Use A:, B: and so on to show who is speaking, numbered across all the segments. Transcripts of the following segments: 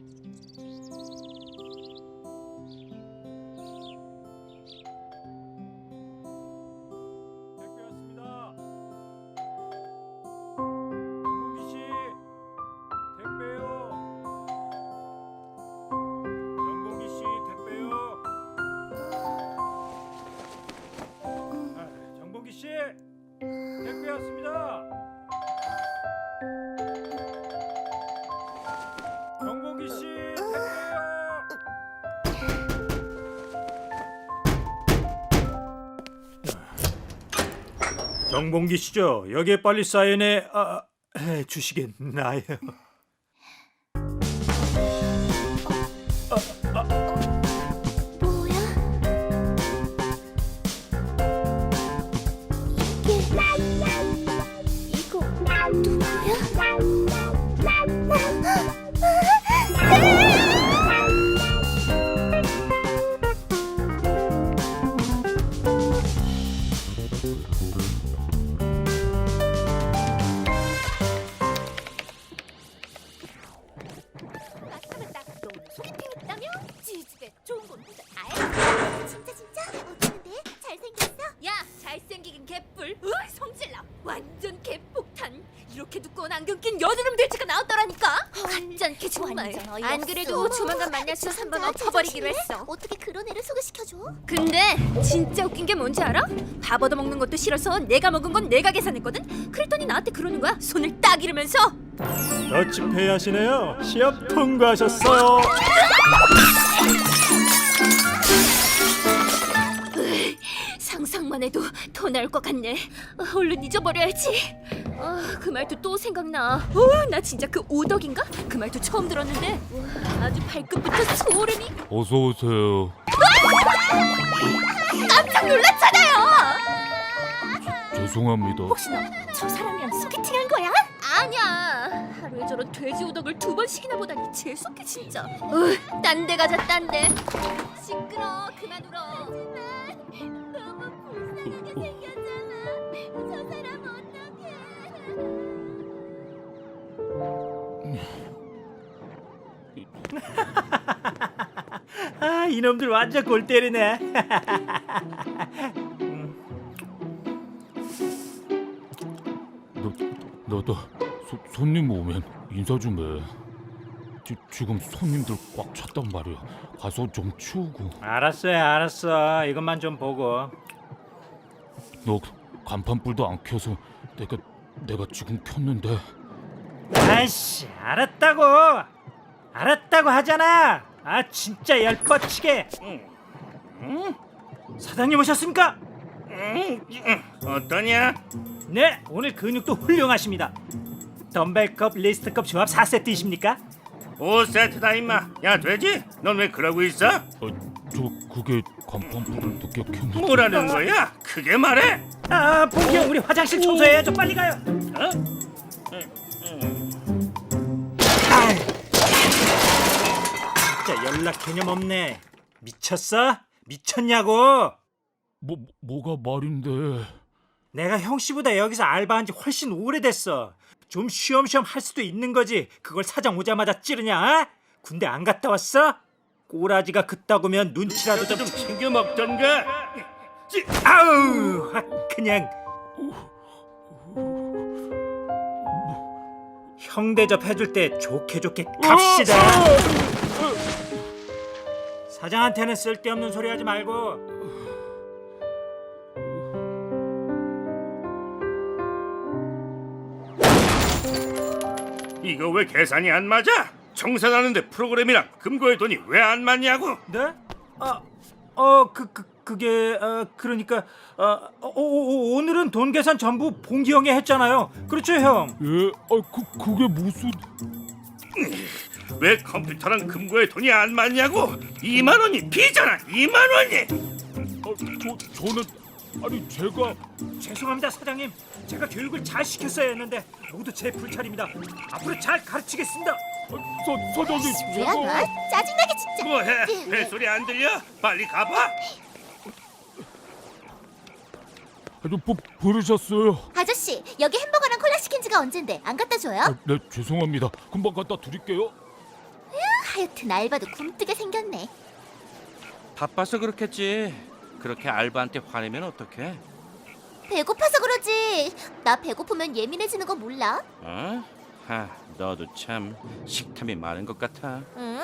A: 택배 왔습니다. 정봉기 씨, 택배요. 정봉기 씨죠? 여기에 빨리 사인해 주시겠나요?
B: 잘생기긴 개뿔. 성질나. 완전 개폭탄. 이렇게 두꺼운 안경 낀 여드름 돼지가 나왔더라니까. 가짠게 정말. 안 그래도 조만간 만나서 한번 엎어버리기로 했어.
C: 어떻게 그런 애를 소개시켜줘?
B: 근데 진짜 웃긴 게 뭔지 알아? 밥 얻어먹는 것도 싫어서 내가 먹은 건 내가 계산했거든? 그랬더니 나한테 그러는 거야. 손을 딱 이러면서.
A: 더치페이 하시네요. 시험 통과하셨어요.
B: 상상만 해도 더 나을 것 같네. 얼른 잊어버려야지. 그 말도 또 생각나. 나 진짜 그 오덕인가? 그 말도 처음 들었는데 아주 발끝부터 소름이.
D: 어서 오세요.
B: 깜짝 놀랐잖아요.
D: 죄송합니다.
B: 혹시 너 저 사람이랑 소개팅한 거야? 아니야. 하루에 저런 돼지 오덕을 2번씩이나 보다니 재수없게 진짜. 딴 데 가자, 딴 데. 시끄러. 그만 울어.
C: 너무 불쌍하게 생겼잖아. 저 사람 어떡해?
A: 이놈들 완전 골 때리네.
D: 너도 손님 오면 인사 좀 해. 지금 손님들 꽉 찼단 말이야. 가서 좀 치우고.
A: 알았어. 이것만 좀 보고.
D: 너 간판불도 안 켜서 내가 지금 켰는데.
A: 아이씨, 알았다고 하잖아. 진짜 열뻗치게. 사장님 오셨습니까?
E: 어떠냐?
A: 네, 오늘 근육도 훌륭하십니다. 덤벨컵, 리스트컵 조합 4세트이십니까?
E: 5세트다 임마. 야 돼지, 넌 왜 그러고 있어?
D: 그게 간판불을 늦게 켰는데.
E: 뭐라는 거야? 크게 말해.
A: 봉기 형, 우리 화장실 청소해야죠. 빨리 가요. 진짜 연락 개념 없네. 미쳤어? 미쳤냐고?
D: 뭐가 말인데?
A: 내가 형 씨보다 여기서 알바한 지 훨씬 오래됐어. 좀 쉬엄쉬엄 할 수도 있는 거지. 그걸 사장 오자마자 찌르냐? 군대 안 갔다 왔어? 꼬라지가 그따구면 눈치라도
E: 좀 챙겨 먹던가.
A: 아우, 그냥 형 대접 해줄 때 좋게 갑시다. 사장한테는 쓸데없는 소리 하지 말고.
E: 이거 왜 계산이 안 맞아? 청산하는데 프로그램이랑 금고의 돈이 왜 안 맞냐고?
A: 네? 그게 그러니까 오늘은 돈 계산 전부 봉기 형이 했잖아요. 그렇죠, 형?
D: 예? 그게 무슨?
E: 왜 컴퓨터랑 금고의 돈이 안 맞냐고? 2만 원이 비잖아. 2만 원이.
D: 저는 제가.
A: 죄송합니다, 사장님. 제가 교육을 잘 시켰어야 했는데 모두 제 불찰입니다. 앞으로 잘 가르치겠습니다.
D: 사장님,
C: 뭐야 너? 짜증나게 진짜.
E: 뭐해? 벨소리 안 들려? 빨리 가봐.
D: 부르셨어요?
C: 아저씨, 여기 햄버거랑 콜라 시킨 지가 언젠데 안 갖다 줘요?
D: 네, 죄송합니다. 금방 갖다 드릴게요.
C: 하여튼 알바도 굼뜨게 생겼네.
F: 바빠서 그렇겠지. 그렇게 알바한테 화내면 어떡해?
C: 배고파서 그러지. 나 배고프면 예민해지는 거 몰라?
F: 어? 하, 너도 참 식탐이 많은 것 같아.
C: 응?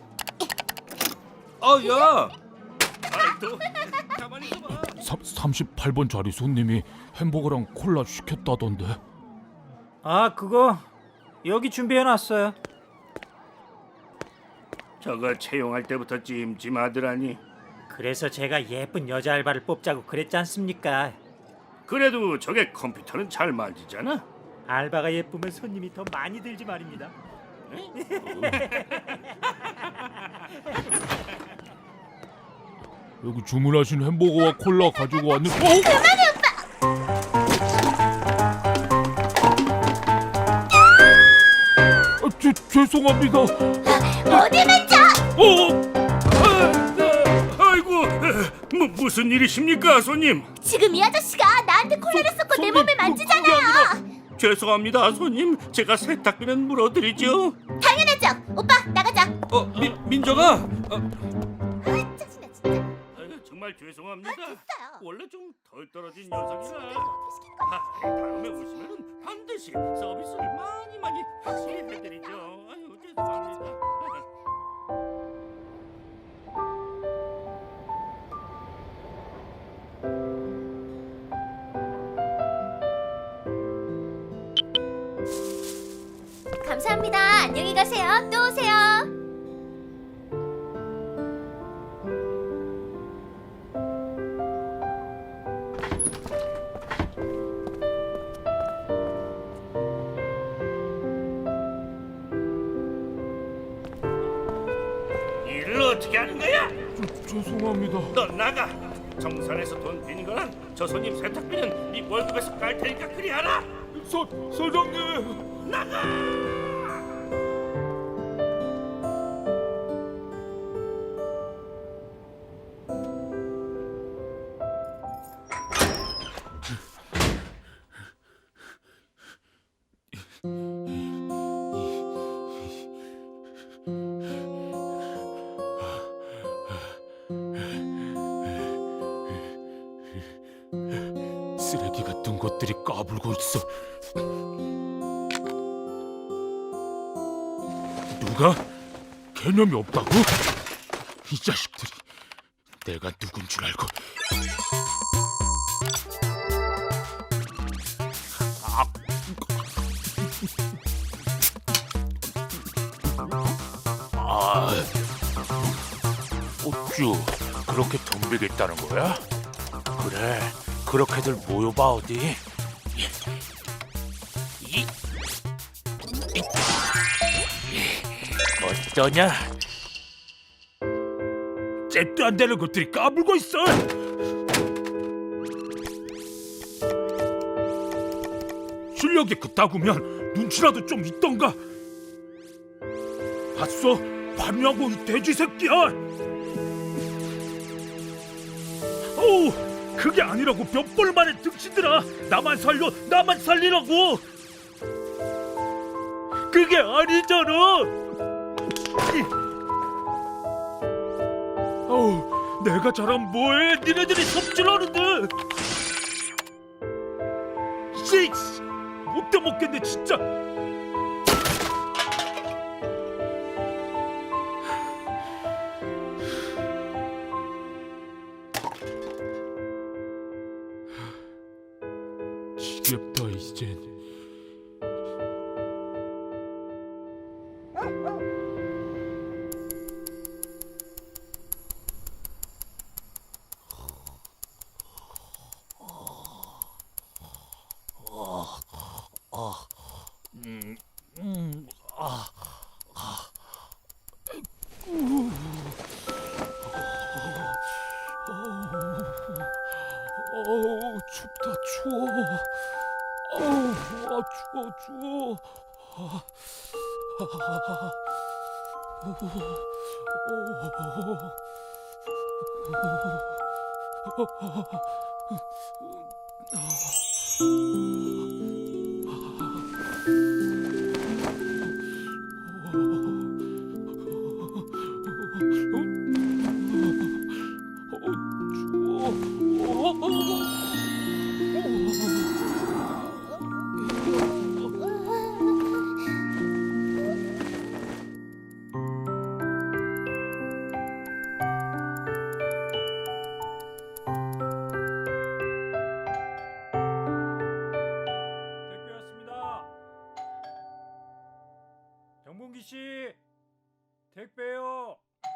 F: 야!
E: 아이 또 가만히 있어봐.
D: 38번 자리 손님이 햄버거랑 콜라 시켰다던데.
A: 아, 그거 여기 준비해놨어요.
E: 저거 채용할 때부터 찜찜하더라니.
A: 그래서 제가 예쁜 여자 알바를 뽑자고 그랬지 않습니까?
E: 그래도 저게 컴퓨터는 잘 만지잖아.
A: 알바가 예쁘면 손님이 더 많이 들지 말입니다.
D: 여기 주문하신 햄버거와 콜라 가지고 왔는데.
C: 그만해 오빠.
D: 죄송합니다.
C: 어디 만져?
E: 아이고, 무슨 일이십니까, 손님?
C: 지금 이 아저씨가 나한테 콜라를 쏟고 내
D: 손님,
C: 몸을
D: 그게
C: 만지잖아요.
E: 죄송합니다, 손님. 제가 세탁비는 물어드리죠.
C: 당연하죠. 오빠 나가자.
F: 민정아!
C: 아, 짜증나 진짜.
E: 아유, 정말 죄송합니다.
C: 됐어요.
E: 원래 좀 덜 떨어진 녀석이라.
C: 어떻게 시키는 거야?
E: 다음에 오시면 반드시 서비스를 많이 확실히 해드리죠. 아유, 죄송합니다.
C: 감사합니다. 안녕히 가세요. 또 오세요.
E: 일을 어떻게 하는 거야?
D: 죄송합니다.
E: 너 나가. 정산에서 돈 빈 거랑 저 손님 세탁비는 네 월급에서 깔 테니까 그리 하라.
D: 사장님. 쓰레기 같은 것들이 까불고 있어. 누가? 개념이 없다고? 이 자식들이 내가 누군 줄 알고.
G: 어쭈 그렇게 덤비겠다는 거야? 그래 그렇게들 모여봐 어디 어떠냐?
D: 잽도 안 되는 것들이 까불고 있어. 실력이 그따구면 눈치라도 좀 있던가. 봤어? 봤냐고 이 돼지 새끼야. 어우, 그게 아니라고 몇 번 만에 등치더라. 나만 살려, 나만 살리라고. 그게 아니잖아. 어우, 내가 잘하면 뭐해? 니네들이 섭질하는데. 씨, 못돼 먹겠네 진짜. 지겹다 이젠. 어우 춥다 추워. 어우 추워.
A: 택배요.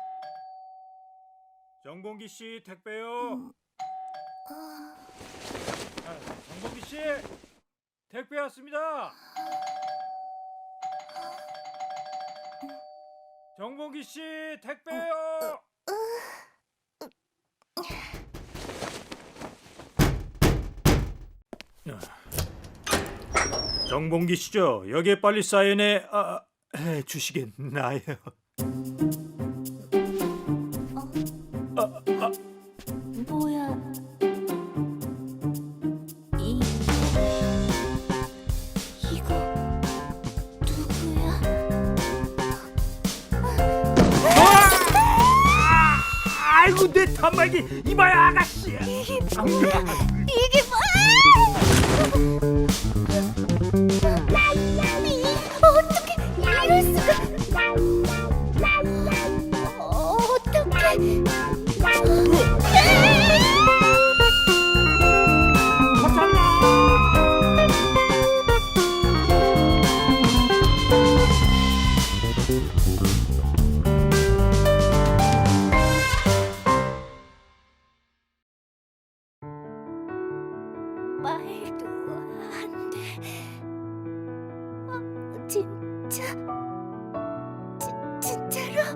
A: 정봉기 씨 택배요. 정봉기 씨 택배 왔습니다. 정봉기 씨 택배요. 정봉기 씨죠? 여기에 빨리 사인해 주시겠나요?
C: 뭐야? 이거 누구야?
A: 아이고 내 단말기 이봐야 아가씨.
C: 이게 뭐야? 어떻게 이럴 수가? 어떻게? 말도 안 돼. 진짜? 진짜로?